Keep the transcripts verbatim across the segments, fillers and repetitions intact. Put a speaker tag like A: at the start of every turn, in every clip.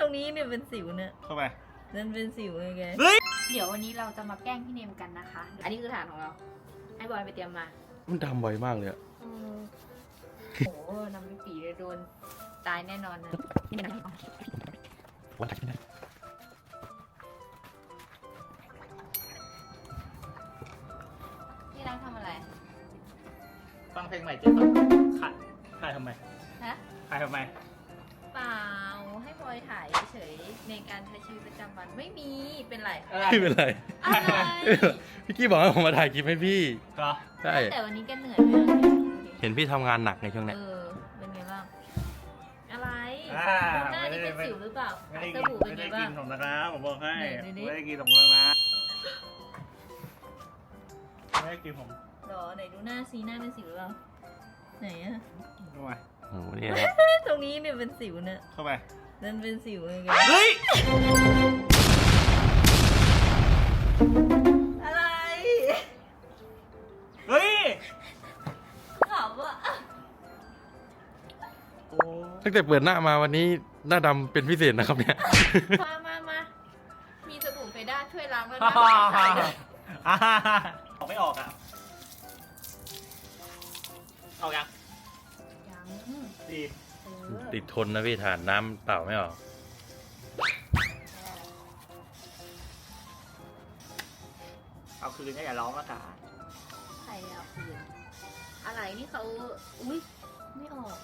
A: รงนี้เนี่ยเป็นสิวเนี่ย
B: เข้าไป
A: นั่นเป็นสิวไงแก
B: เฮ้ย
C: เดี๋ยววันนี้เราจะมาแกล้งพี่เนมกันนะคะ อันนี้คือฐานของเรา ให้บอยไปเตรียมมา
D: มันดำบ่อยมากเลยอะ
C: โอ้โหน้ำพริกปีเลยโดนตายแน่นอนนะ
D: วันไหนไม่ได้
C: ที่รักทำอะไร
B: ฟังเพลงใหม่เจ๊ฟังขายขายทำไม
C: ฮะ
B: ขายทำไม
C: เปล่า ให้บอยถ่ายเฉยๆในการใช้ชีวิตประจำวัน ไม่มี เป็นไร
D: ไม่เป็นไร
C: อะไร
D: พี่กี้บอกให้ผมมาถ่ายคลิปให้พี่
B: ก็
D: ใช่
C: แต่วันนี้แกเหนื่อยไหมอะ
D: เห็นพี่ทำงานหนักในช่วง
C: เอ
D: เนี้ย
C: อ เป็นไงบ้าง อะไร
B: อ่า
C: ดูหน้า
B: ไม่
C: นี่
B: ได้
C: เป็นสิวหรือเปล่า
B: ไม่ได้
C: ส
B: กิน
C: บู่เป็น
B: ไม่
C: ไง
B: ได้
C: บ้า
B: กิ
C: ง
B: นของนะครับผมบอกให้
C: ไหนดูดิ
B: ไม่ได้กินของนะไม่ได้กินผม
A: หรอไหนดูหน้าซีหน้าเป็นสิวหรือเปล่าไหนอะ
B: เข้าไป
D: โอ้โหเนี่ยครับ
A: ตรงนี้เนี่ยเป็นสิวเนี่ย
B: เข้าไป
A: นั่นเป็นสิวไงแก
B: เฮ้ย
A: อะไร
B: เฮ้ย
A: ขำอ่ะ
B: โอ้
D: ตั้งแต่เปิดหน้ามาวันนี้หน้าดำเป็นพิเศษนะครับเนี่ย
C: มามามามีสบู่เฟด้าช่วยล้างแล้ว
B: ฮ่า
C: นะ
B: ฮ่า
C: ใส่
B: ฮ่า
C: เลย
B: ฮ่าฮ่าฮ่าออกไม่ออกอ่ะออกยัง
C: ยัง
B: ดี
C: เออ
D: ติดทนนะพี่ฐานน้ำเปล่าไม่ออก
B: เอาคืนก็อย่าร้องละกัน
C: ใครเอาคืนอะไรนี่เขาอุ้ยไม่ออก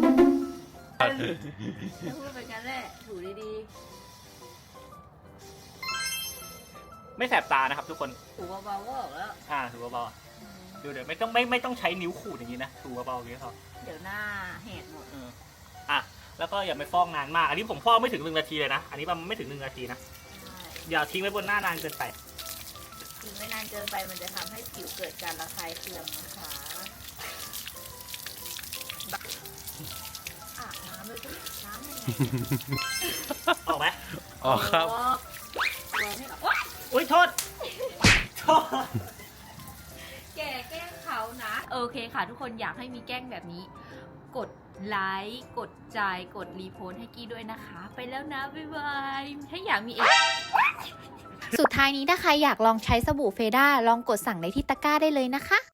C: จะพูดไปกันแหละถูดี
B: ไม่แสบตานะครับทุกคน
C: ๆถูเบาๆก็ออกแล้ว
B: อ่าถูเบาๆดูเดี๋ยวไม่ต้องไม่ไม่ต้องใช้นิ้วขูดอย่างนี้นะถูเบาๆอย่างนี้พอ
C: เดี๋ยวหน้าแหกหมด
B: เอออ่ะแล้วก็อย่าไปฟอกนานมาก อันนี้ผมฟอกไม่ถึงหนึ่งนาทีเลยนะ อันนี้ประมาณไม่ถึงหนึ่งนาทีนะ
C: ใช่
B: อย่าทิ้งไว้บนหน้านานเกินไป
C: ทิ้งไม่นานเกินไปมันจะทำให้ผิวเกิดการระคายเคืองนะคะอาบน้ำเลยสิน้ำยังไง
B: ออกไหม
D: ออกครับ
C: โตัวไม่ออก
B: อุ้ยโทษโทษ
C: แกแกล้งเขานะ โอเคค่ะ ทุกคนอยากให้มีแกล้งแบบนี้ กดไลค์กดใจกดรีโพสต์ให้กี้ด้วยนะคะ ไปแล้วนะ บ๊ายบาย ถ้าอยากมีอีก
E: สุดท้ายนี้ถ้าใครอยากลองใช้สบู่เฟด้าลองกดสั่งในที่ตะกร้าได้เลยนะคะ